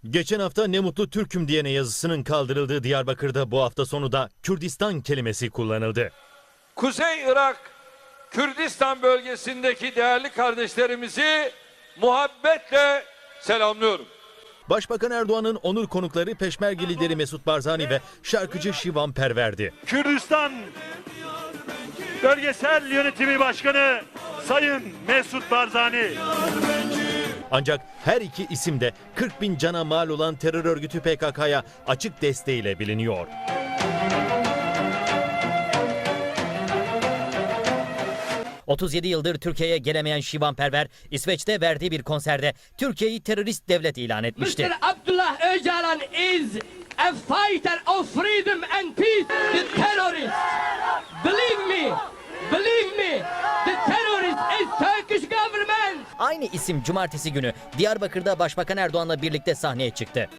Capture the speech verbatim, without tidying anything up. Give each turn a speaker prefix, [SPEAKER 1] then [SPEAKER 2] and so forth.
[SPEAKER 1] Geçen hafta "Ne mutlu Türk'üm" diyene yazısının kaldırıldığı Diyarbakır'da bu hafta sonu da Kürdistan kelimesi kullanıldı.
[SPEAKER 2] Kuzey Irak, Kürdistan bölgesindeki değerli kardeşlerimizi muhabbetle selamlıyorum.
[SPEAKER 1] Başbakan Erdoğan'ın onur konukları Peşmerge lideri Mesut Barzani ve şarkıcı Şivan Perver'di.
[SPEAKER 3] Kürdistan Bölgesel Yönetimi Başkanı Sayın Mesut Barzani.
[SPEAKER 1] Ancak her iki isim de kırk bin cana mal olan terör örgütü P K K'ya açık desteğiyle biliniyor.
[SPEAKER 4] otuz yedi yıldır Türkiye'ye gelemeyen Şivan Perver, İsveç'te verdiği bir konserde Türkiye'yi terörist devlet ilan etmişti.
[SPEAKER 5] mister Abdullah Öcalan is a fighter of freedom and peace. The terrorist, believe me, believe me, the terrorist is Turkish government.
[SPEAKER 4] Aynı isim cumartesi günü Diyarbakır'da Başbakan Erdoğan'la birlikte sahneye çıktı.